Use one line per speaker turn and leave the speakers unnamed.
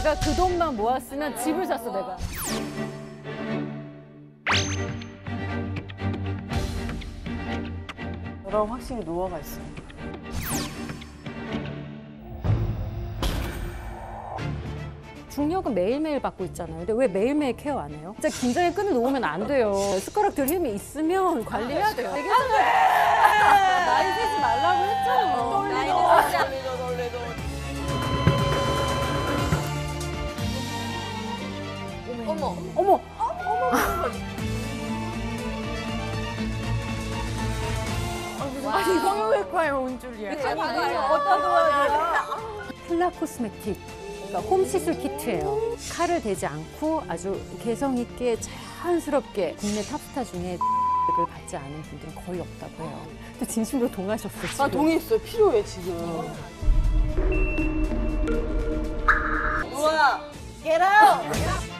내가 그 돈만 모았으면 집을 샀어, 내가.
저랑 확실히 노화가 있어.
중력은 매일매일 받고 있잖아요. 근데 왜 매일매일 케어 안 해요? 진짜 긴장의 끈을 놓으면 안 돼요. 숟가락 들 힘이 있으면 관리해야 돼요. 되게 나이 세지 말라고 했잖아.
어머.
어머!
아니 성형외과에 온 줄이야.
어디다 둬야 돼요? 플라 코스메틱. 그러니까 홈 시술 키트예요. 칼을 대지 않고 아주 개성 있게 자연스럽게 국내 탑스타 중에 을 받지 않은 분들은 거의 없다고 해요. 근데 진심으로 동하셨어, 지금.
나 동의했어요. 필요해 지금.
우와. Get out.